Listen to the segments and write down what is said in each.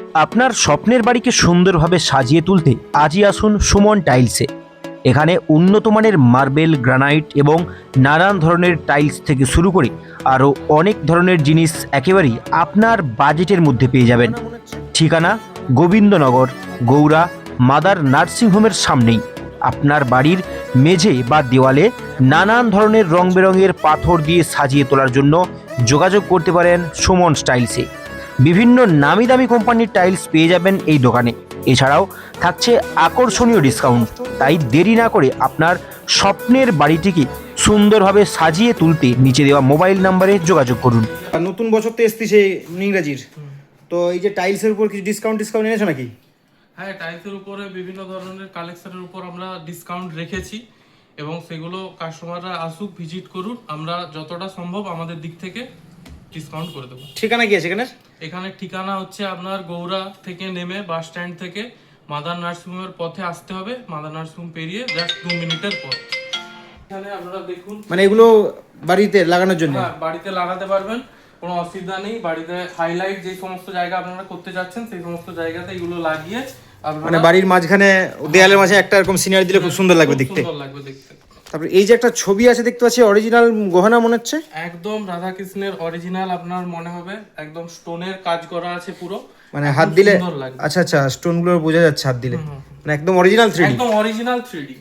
আপনার স্বপ্নের বাড়িকে সুন্দরভাবে সাজিয়ে তুলতে আজই আসুন সুমন টাইলসে। এখানে উন্নত মানের মার্বেল, গ্রানাইট এবং নানান ধরনের টাইলস থেকে শুরু করে আরও অনেক ধরনের জিনিস একেবারেই আপনার বাজেটের মধ্যে পেয়ে যাবেন। ঠিকানা গোবিন্দনগর, গৌড়া মাদার নার্সিংহোমের সামনেই। আপনার বাড়ির মেঝে বা দেওয়ালে নানান ধরনের রং বেরঙের পাথর দিয়ে সাজিয়ে তোলার জন্য যোগাযোগ করতে পারেন সুমন টাইলসে। বিভিন্ন নামি দামি কোম্পানির টাইলস পেয়ে যাবেন এই দোকানে। এছাড়াও থাকছে আকর্ষণীয় ডিসকাউন্ট। তাই দেরি না করে আপনার স্বপ্নের বাড়িটিকে সুন্দরভাবে সাজিয়ে তুলতে নিচে দেওয়া মোবাইল নম্বরে যোগাযোগ করুন। নতুন বছর তো এসেছে ইংরাজির, তো এই যে টাইলসের উপর কিছু ডিসকাউন্ট এনেছো নাকি? হ্যাঁ, টাইলসের উপরে বিভিন্ন ধরনের কালেকশনের উপর আমরা ডিসকাউন্ট রেখেছি এবং সেগুলো কাস্টমাররা আসুক, ভিজিট করুন, আমরা যতটা সম্ভব আমাদের দিক থেকে ডিসকাউন্ট করে দেবো। ঠিকানা কি আছে এখানে? এখানে ঠিকানা হচ্ছে আপনার গৌড়া থেকে নেমে বাস স্ট্যান্ড থেকে মাদার নার্সিংহোমের পথে আসতে হবে। মাদার নার্সিংহোম পেরিয়ে জাস্ট 2 মিনিটের পথ। এখানে আপনারা দেখুন, মানে এগুলো বাড়িতে লাগানোর জন্য? হ্যাঁ, বাড়িতে লাগাতে পারবেন, কোনো অসুবিধা নেই। বাড়িতে হাইলাইট যে সমস্ত জায়গা আপনারা করতে যাচ্ছেন সেই সমস্ত জায়গাতে এগুলো লাগিয়ে মানে বাড়ির মাঝখানে দেয়ালের মাঝে একটা এরকম সিনারি দিলে খুব সুন্দর লাগবে দেখতে। সুন্দর লাগবে দেখতে। তারপরে এই যে একটা ছবি আছে দেখতে পাচ্ছি, অরিজিনাল গহনা মনে হচ্ছে। একদম রাধা কৃষ্ণের অরিজিনাল আপনার মনে হবে, একদম স্টোনের কাজ করা আছে পুরো, মানে হাত দিলে সুন্দর লাগবে। আচ্ছা আচ্ছা, স্টোন গুলো বোঝা যাচ্ছে হাত দিলে, মানে একদম অরিজিনাল 3D। একদম অরিজিনাল 3D।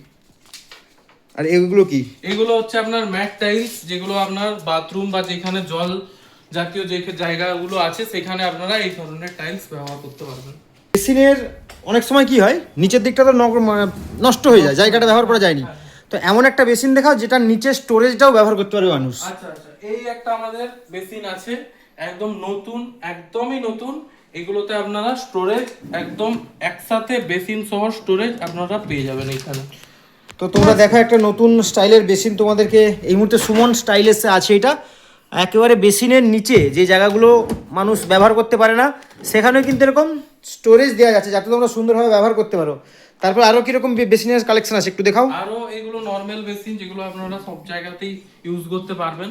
আর এগুলো কি? এগুলো হচ্ছে আপনার ম্যাট টাইলস, যেগুলো আপনার বাথরুম বা যেখানে জল জাতীয় যে জায়গাগুলো আছে সেখানে আপনারা এই ধরনের টাইলস ব্যবহার করতে পারবেন। বেসিনের অনেক সময় কি হয়, নিচের দিকটা তো নষ্ট হয়ে যায়, জায়গাটা ব্যবহার করা যায়নি, তো এমন একটা বেসিন দেখাও যেটা নিচে স্টোরেজটাও ব্যবহার করতে পারবে মানুষ। আচ্ছা আচ্ছা, এই একটা আমাদের বেসিন আছে, একদম নতুন, একদমই নতুন। এগুলোতে আপনারা স্টোরেজ একদম একসাথে বেসিন সহ স্টোরেজ আপনারা পেয়ে যাবেন এখানে। তো তোমরা দেখো একটা নতুন স্টাইলের বেসিন তোমাদেরকে এই মুহূর্তে সুমন স্টাইলেসে আছে। এটা একেবারে বেসিনের নিচে যে জায়গাগুলো মানুষ ব্যবহার করতে পারে না সেখানেও কিন্তু এরকম স্টোরেজ দেওয়া যাচ্ছে যাতে তোমরা সুন্দরভাবে ব্যবহার করতে পারো। তারপর আরো কিরকম বেসিনের কালেকশন আছে একটু দেখাও। আরো এগুলো নরমাল বেসিন যেগুলো আপনারা সব জায়গাতেই ইউজ করতে পারবেন।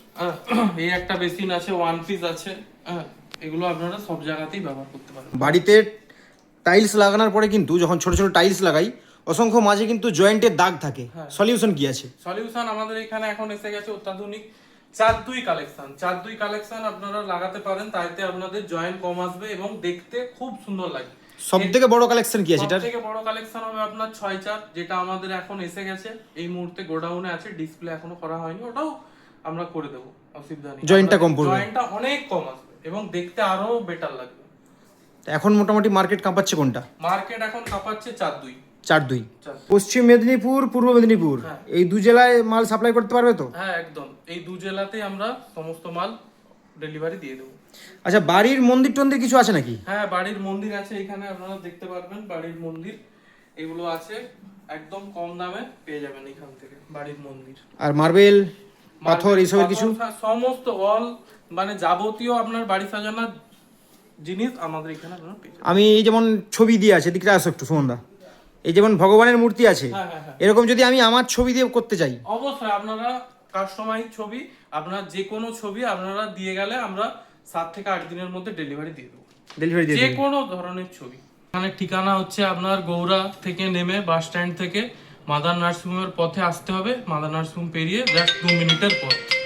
এই একটা বেসিন আছে, 1 পিস আছে, এগুলো আপনারা সব জায়গাতেই ব্যবহার করতে পারবেন। বাড়িতে টাইলস লাগানোর পরে কিন্তু যখন ছোট ছোট টাইলস লাগাই অসংখ্য মাঝে কিন্তু জয়েন্টের দাগ থাকে, সলিউশন কি আছে? সলিউশন আমাদের এখানে এখন এসে গেছে অত্যাধুনিক 4-2 কালেকশন। 4-2 কালেকশন আপনারা লাগাতে পারেন, তাইতে আপনাদের জয়েন্ট কম আসবে এবং দেখতে খুব সুন্দর লাগবে। সবথেকে বড় কালেকশন কি আছে? সবথেকে বড় কালেকশন হবে আপনার 6-4, যেটা আমাদের এখন এসে গেছে, এই মুহূর্তে গোডাউনে আছে, ডিসপ্লে এখনো করা হয়নি, ওটাও আমরা করে দেব, অসুবিধা নেই। জয়েন্টটা কম পড়বে, জয়েন্টটা অনেক কম আসবে এবং দেখতে আরো বেটার লাগবে। এখন মোটামুটি মার্কেট কাঁপাচ্ছে কোনটা? মার্কেট এখন কাঁপাচ্ছে 4-2। 4-2 পশ্চিম মেদিনীপুর, পূর্ব মেদিনীপুর, এই দু জেলায় মাল সাপ্লাই করতে পারবে তো? হ্যাঁ একদম, এই দু জেলাতেই আমরা সমস্ত মাল ডেলিভারি দিয়ে দেবো। আচ্ছা, বাড়ির মন্দির টন্দির কিছু আছে নাকি? হ্যাঁ, বাড়ির মন্দির আছে, এখানে আপনারা দেখতে পারবেন বাড়ির মন্দির, এগুলো আছে, একদম কম দামে পেয়ে যাবেন এখান থেকে বাড়ির মন্দির। আর মার্বেল, পাথর এইসবের কিছু? সমস্ত অল মানে যাবতীয় আপনার বাড়ি সাজানোর জিনিস আমাদের এখানে আপনারা পেয়ে যাবেন। আমি এই যেমন ছবি দিয়ে আছে, দিকটা আসো একটু সুমনদা, এই যেমন ভগবানের মূর্তি আছে, এরকম যদি আমি আমার ছবি দিয়ে করতে চাই, অবশ্যই আপনারা কাস্টমাইজ ছবি, আপনার যে কোনো ছবি আপনারা দিয়ে গেলে আমরা 7 থেকে 8 দিনের মধ্যে ডেলিভারি দিয়ে দেবো, যে কোনো ধরনের ছবি। এখানে ঠিকানা হচ্ছে আপনার গৌড়া থেকে নেমে বাস স্ট্যান্ড থেকে মাদার নার্সিংহোমের পথে আসতে হবে। মাদার নার্সিংহোম পেরিয়ে জাস্ট 2 মিনিটের পথ।